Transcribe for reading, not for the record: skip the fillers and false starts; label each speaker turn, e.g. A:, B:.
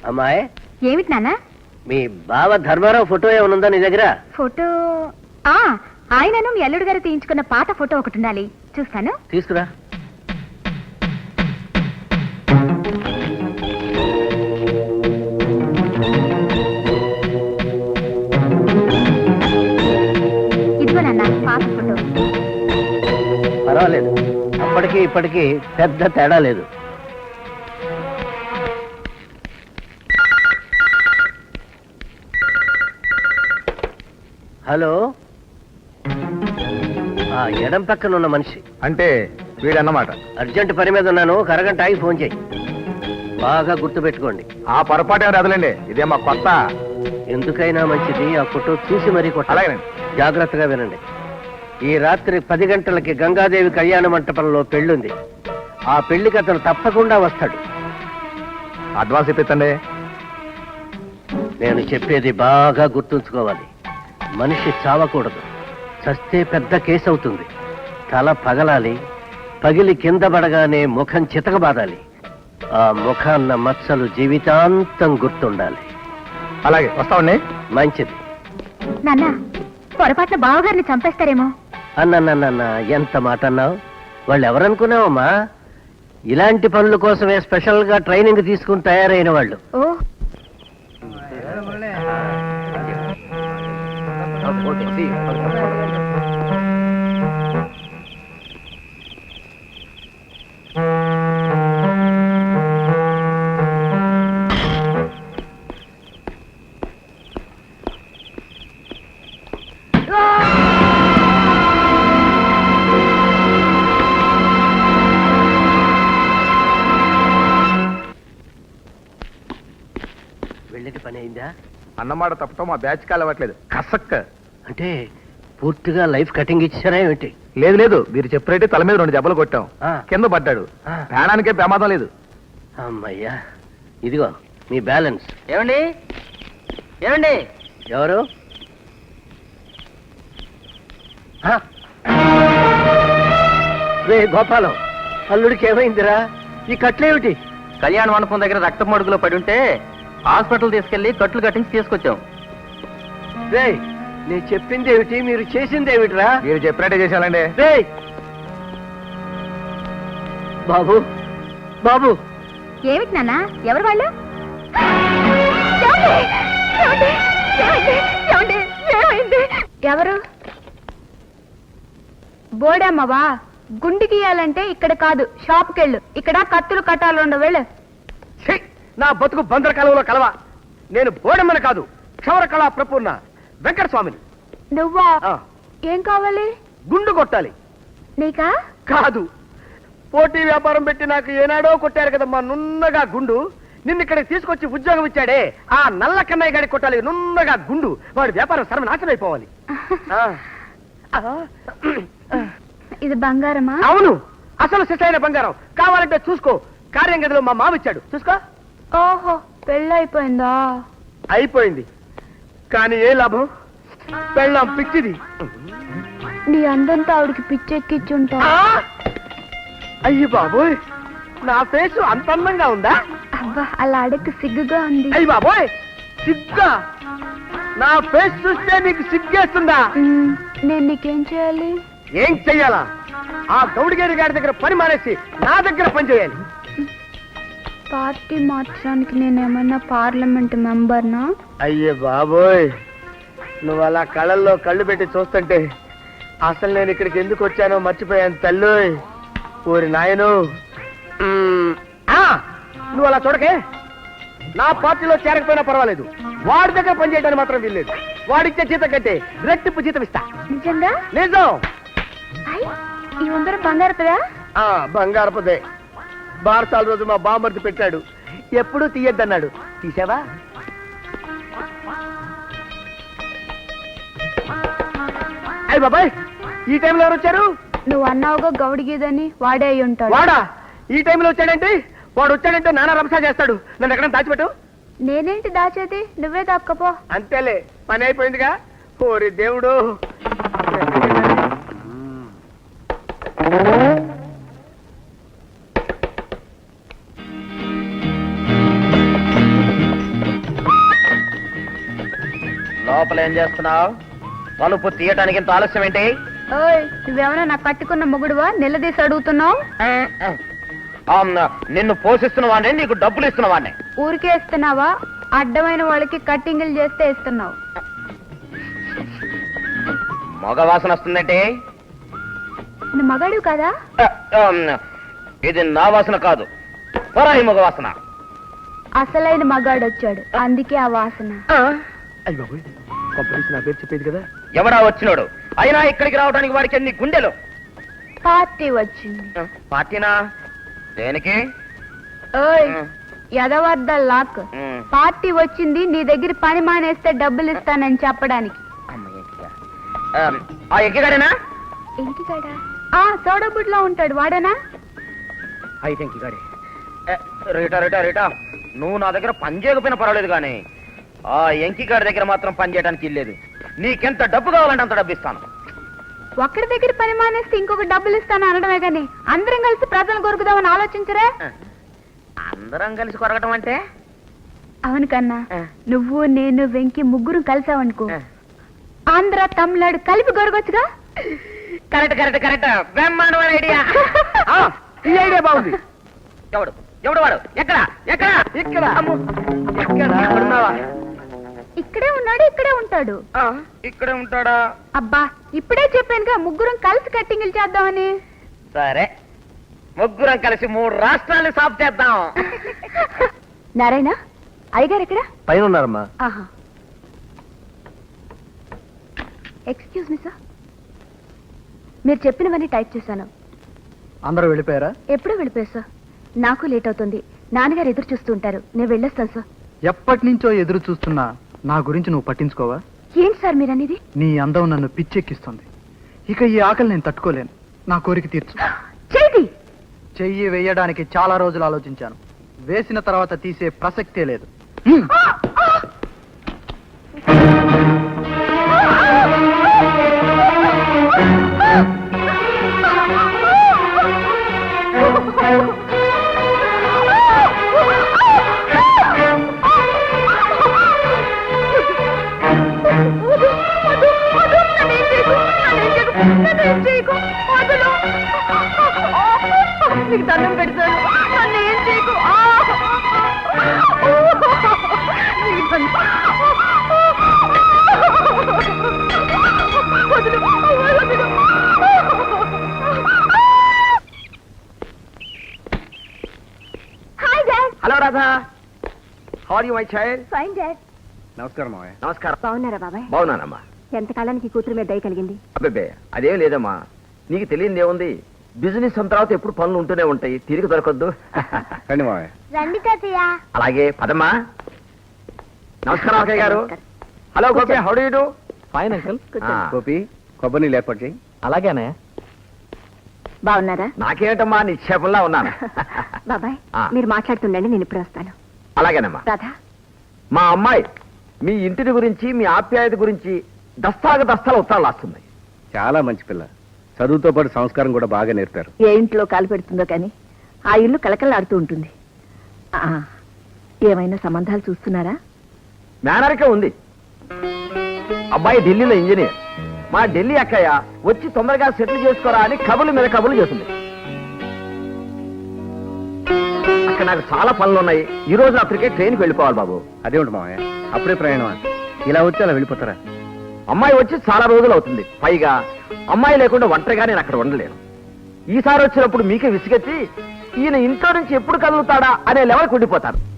A: అమ్మాయి,
B: ఏమిటి నాన్న?
A: మీ బావ ధర్మారావు ఫోటో ఏమనుందా నీ దగ్గర?
B: ఫోటో ఆయనను మీ అల్లుడు గారు తీయించుకున్న పాత ఫోటో ఒకటి ఉండాలి, చూస్తాను.
A: తీసుకురా.
B: ఇదిగో నాన్న పాత ఫోటో.
A: పర్వాలేదు, అప్పటికి ఇప్పటికి పెద్ద తేడా లేదు. హలో, ఎడం పక్కన ఉన్న మనిషి
C: అంటే వీడన్నమాట.
A: అర్జెంట్ పని మీద ఉన్నాను, ఒక అరగంట ఆగి ఫోన్ చేయి. బాగా గుర్తు పెట్టుకోండి.
C: ఆ పొరపాటు వదలండి, ఇదే మా కొత్త.
A: ఎందుకైనా మంచిది ఆ ఫోటో చూసి మరీ కొట్టాలి.
C: అలాగేనండి.
A: జాగ్రత్తగా వినండి. ఈ రాత్రి 10 గంటలకి గంగాదేవి కళ్యాణ మంటపంలో పెళ్ళుంది. ఆ పెళ్లికి అతను తప్పకుండా వస్తాడు.
C: అడ్వాన్స్ ఇప్పించండి.
A: నేను చెప్పేది బాగా గుర్తుంచుకోవాలి. మనిషి చావకూడదు, చస్తే పెద్ద కేసు అవుతుంది. తల పగలాలి, పగిలి కింద పడగానే ముఖం చితకబాదాలి. ఆ ముఖాన్న మచ్చలు జీవితాంతం గుర్తుండాలి.
C: అలాగే వస్తామండి.
A: మంచిది.
B: నాన్న, పొరపాటున బావగారిని చంపేస్తారేమో.
A: అన్న ఎంత మాట అన్నావు? వాళ్ళు ఎవరనుకున్నావమ్మా? ఇలాంటి పనుల కోసమే స్పెషల్ గా ట్రైనింగ్ తీసుకుని తయారైన వాళ్ళు.
B: ఓ,
A: వెళ్ళేటి పని అయిందా?
C: అన్నమాట తప్పటం మా బ్యాచ్ కాలు అవ్వట్లేదు. కసక్క
A: అంటే పూర్తిగా లైఫ్ కటింగ్ ఇచ్చారా ఏమిటి?
C: లేదు లేదు, మీరు చెప్పినట్టే తల మీద 2 దెబ్బలు కొట్టాం.
A: ఆ.
C: కింద పడ్డాడు.
A: ఆ.
C: ప్రాణానికే ప్రమాదం లేదు.
A: అమ్మయ్యా, ఇదిగో మీ బ్యాలెన్స్.
D: ఏమండి ఏమండి
A: ఎవరు? రే గోపాలం, అల్లుడికి ఏమైందిరా? ఈ కట్లేమిటి?
D: కళ్యాణ మండపం దగ్గర రక్తపు మడుగులో పడి ఉంటే హాస్పిటల్ తీసుకెళ్లి కట్లు కట్టించి తీసుకొచ్చాం.
A: రే, నేను చెప్పింది ఏమిటి, మీరు చేసింది ఏమిటిరా?
C: మీరు చెప్పినట్టే చేశానండి.
A: రే బాబు, బాబు.
B: ఏమిటి నాన్న? ఎవరు వాళ్ళు? ఏమండి? ఏమండి? ఏమైంది? ఏమండి? ఏమైంది? ఎవరు? బోడమ్మవా? గుండు గీయాలంటే ఇక్కడ కాదు, షాప్కి వెళ్ళు. ఇక్కడ కత్తులు కట్టాలు ఉండవు, వెళ్ళు.
A: ఛీ, నా బతుకు బందర కాలంలో కలవా. నేను బోడమ్మని కాదు, క్షవర కళా ప్రపూర్ణ వెంకట స్వామిని.
B: నువ్వా?
A: ఆ,
B: ఏం కావాలి?
A: గుండు కొట్టాలి.
B: నీకా?
A: కాదు, పోటీ వ్యాపారం పెట్టి నాకు ఏనాడో కొట్టారు కదమ్మా నున్నగా గుండు. నిన్ను ఇక్కడికి తీసుకొచ్చి ఉద్యోగం ఇచ్చాడే ఆ నల్ల కన్నయ్య గారికి కొట్టాలి నున్నగా గుండు. వాడి వ్యాపారం సర్వనాశనం అయిపోవాలి.
B: ఇది బంగారమా?
A: అవును, అసలు శిశైన బంగారం. కావాలంటే చూసుకో, కార్యం గదిలో మా మామ ఇచ్చాడు, చూసుకో.
B: ఓహో, పెళ్ళైపోయిందా?
A: అయిపోయింది, కానీ ఏ లాభం? పెళ్ళాం పిచ్చిది.
B: నీ అందంతా ఆవిడికి పిచ్చెక్కిచ్చుంటా.
A: అయ్యి బాబోయ్, నా ఫేసు అంత అందంగా ఉందా?
B: అబ్బా, అలా అడగ సిగ్గుగా ఉంది.
A: అయ్యి బాబోయ్, సిగ్గా? నా ఫేస్ చూస్తే నీకు సిగ్గేస్తుందా?
B: నేను నీకేం చేయాలి?
A: ఏం చెయ్యాలా? ఆ గౌడిగేరి గారి దగ్గర పని మానేసి నా దగ్గర పని చేయాలి.
B: పార్టీ మార్చడానికి నేనేమన్నా పార్లమెంట్ మెంబర్నా?
A: అయ్యే బాబోయ్, నువ్వు అలా కళ్ళల్లో కళ్ళు పెట్టి చూస్తుంటే అసలు నేను ఇక్కడికి ఎందుకు వచ్చానో మర్చిపోయాను తల్లోయ్. ఊరి నాయను, నువ్వు అలా చూడకే. నా పార్టీలో చేరకపోయినా పర్వాలేదు, వాడి దగ్గర పని చేయడానికి మాత్రం వీల్లేదు. వాడిచ్చే జీతం కంటే రెట్టింపు జీతం ఇస్తా.
B: నిజంగా?
A: నిజం.
B: ఈ ఉంగరం బంగారపదా?
A: బంగారపదే. భారతాల రోజు మా బామ్మర్ది పెట్టాడు, ఎప్పుడూ తీయద్దన్నాడు. తీసావా? అయ్య బాబాయ్, ఈ టైంలో ఎవరు వచ్చారు?
B: నువ్వు అన్నావుగా గౌడిగీదని, వాడే అయి ఉంటాడు.
A: వాడా? ఈ టైంలో వచ్చాడంటే? వాడు వచ్చాడంటే నానా రంసా చేస్తాడు. నన్ను ఎక్కడ దాచిపెట్టు.
B: నేనేంటి దాచేది? నువ్వే దాక్కపో.
A: అంతేలే, పని అయిపోయిందిగా. ఓరి దేవుడు.
D: లోపల ఏం చేస్తున్నావు? తలుపు తీయటానికి ఇంత ఆలస్యం ఏంటి?
B: ఓయ్ నువ్వేమైనా నాకు కట్టుకున్న మొగుడువా నిలదీసి అడుగుతున్నావు?
D: నిన్ను పోషిస్తున్న వాడిని, నీకు డబ్బులు ఇస్తున్న వాడిని.
B: ఊరికే ఇస్తున్నావా? అడ్డమైన వాళ్ళకి కట్టింగులు చేస్తే ఇస్తున్నావు.
D: మగ వాసన వస్తుందంటే
B: నువ్వు మగాడు కదా?
D: ఇది నా వాసన కాదు, పరాయి మగ వాసన.
B: అసలైన మగాడు వచ్చాడు, అందుకే ఆ వాసన.
C: అయ్యి బాబు కంపెనీస్ నా పేరు చెప్పేది కదా.
D: ఎవడా వచ్చినోడు? అయినా ఇక్కడికి రావడానికి వాడికి ఎన్ని గుండెలు?
B: పార్టీ వచ్చింది.
D: పార్టీనా? దేనికి?
B: ఓయ్ ఎదవద్ద లాక్. పార్టీ వచ్చింది, నీ దగ్గర పని మానేస్తే డబ్బులు ఇస్తానని చెప్పడానికి.
D: ఆ ఎక్కిగాడేనా?
B: ఇంటికాడా? ఆ సోడబుడ్లో ఉంటాడు, వాడేనా?
D: అయితే ఇంకిగాడే. రీటా రీటా రీటా, నువ్వు నా దగ్గర పని చేయకపోయినా పర్వాలేదు కానీ ఆ ఎంకిగాడి దగ్గర మాత్రం పని చేయడానికి ఇల్లేదు. నీకెంత డబ్బు కావాలంటే అంత డబ్బు ఇస్తాను.
B: ఒక్కడి దగ్గర పని మానేస్తే ఇంకొక డబ్బులు ఇస్తాను అనడమే గాని అందరం కలిసి ప్రజలు కొరుకుదామని ఆలోచించరా?
D: అందరం కలిసి కొరగటం అంటే?
B: అవును కన్నా, నువ్వు నేను వెంకి ముగ్గురు కలిసావనుకో, ఆంధ్ర తమిళనాడు కలిపి కొరగొచ్చుగా.
D: కరెక్ట్ కరెక్ట్ కరెక్ట్, బ్రహ్మాండమైన ఐడియా.
C: ఈ ఐడియా బాగుంది.
D: ఎవడు ఎవడు వాడు? ఎక్కడ ఎక్కడ?
C: ఇక్కడ
D: అమ్మో.
C: ఎక్కడ ఎక్కడున్నావా?
B: ఇక్కడే ఉన్నాడు, ఇక్కడే ఉంటాడు.
D: ఇక్కడే ఉంటాడా?
B: అబ్బా ఇప్పుడే చెప్పానుగా ముగ్గురం కలిసి కట్టింగులు చేద్దామని.
D: సరే, ముగ్గురం కలిసి 3 రాష్ట్రాలు సాఫ్ చేద్దాం.
B: నారాయణ అయ్యగారు ఎక్కడ?
A: పైన ఉన్నారమ్మా.
B: ఆహా. ఎక్స్క్యూజ్ మీ సార్, మీరు చెప్పినవన్నీ టైప్ చేశాను.
C: అందరూ వెళ్ళిపోయారా?
B: ఎప్పుడూ వెళ్ళిపోయా సార్, నాకు లేట్ అవుతుంది. నాన్నగారు ఎదురు చూస్తూ ఉంటారు, నేను వెళ్ళొస్తాను సార్.
E: ఎప్పటి నుంచో ఎదురు చూస్తున్నా నా గురించి నువ్వు పట్టించుకోవా?
B: ఏంటి సార్ మీరు అనేది?
E: నీ అందం నన్ను పిచ్చెక్కిస్తుంది. ఇక ఈ ఆకలి నేను తట్టుకోలేను. నా కోరిక తీర్చు.
B: చేయి.
E: చెయ్యి వేయడానికి చాలా రోజులు ఆలోచించాను. వేసిన తర్వాత తీసే ప్రసక్తే లేదు.
B: నీకు దండం పెడతాను, నన్ను ఏం చేయకు. Hi dad.
C: Hello Radha, how are you my child?
B: Fine dad.
C: నమస్కారం మావయ్య. నమస్కారం.
B: బాగున్నారా బాబాయ్?
C: బాగున్నానమ్మా.
B: ఎంతకాలానికి కూతురు మీద దయ కలిగింది?
C: అబ్బే అదేం లేదమ్మా, నీకు తెలియదు ఏముంది, బిజినెస్ అన్న తర్వాత ఎప్పుడు పనులు ఉంటూనే ఉంటాయి, తిరిగి దొరకద్దు. రండి మావయ్య.
B: రండి తాతయ్య.
C: అలాగే పదమ్మా. నమస్కారం అక్కయ్య గారు. Hello Gopi, how do you do?
E: Fine uncle.
C: Gopi, కొబ్బరి నీళ్ళు ఏర్పాటు చేయి.
E: అలాగేనా?
B: బాగున్నారా?
C: నాకేంటమ్మా, నిక్షేపంలా ఉన్నాను.
B: బాబాయ్
C: ఆ.
B: మీరు మాట్లాడుతుండండి, నేను ఇప్పుడు వస్తాను.
C: అలాగేనమ్మా.
B: రాధా
C: మా అమ్మాయి మీ ఇంటిని గురించి, మీ ఆప్యాయత గురించి దస్తాలు ఉత్తరాలు రాస్తుంది.
F: చాలా మంచి పిల్ల. చదువుతో పాటు సంస్కారం కూడా బాగా నేర్పారు.
G: ఏ ఇంట్లో కాలు పెడుతుందో కానీ ఆ ఇల్లు కలకలాడుతూ ఉంటుంది. ఏమైనా సంబంధాలు చూస్తున్నారా?
C: మేనరికే ఉంది. అబ్బాయి ఢిల్లీలో ఇంజనీర్. మా ఢిల్లీ అక్కయ్య వచ్చి తొందరగా సెటిల్ చేసుకోరా అని కబుర్ల మీద కబుర్లు చేస్తుంది. అక్కడ నాకు చాలా పనులు ఉన్నాయి. ఈ రోజు రాత్రికే ట్రైన్కి వెళ్ళిపోవాలి బాబు.
F: అదేమిటి మావయ్య, అప్పుడే ప్రయాణం? ఇలా వచ్చి అలా వెళ్ళిపోతారా?
C: అమ్మాయి వచ్చి చాలా రోజులు అవుతుంది. పైగా అమ్మాయి లేకుండా ఒంటరిగా నేను అక్కడ ఉండలేను. ఈసారి వచ్చినప్పుడు మీకే విసిగెత్తి ఈయన ఇంట్లో నుంచి ఎప్పుడు కదులుతాడా అనే లెవెల్కి ఉండిపోతాను.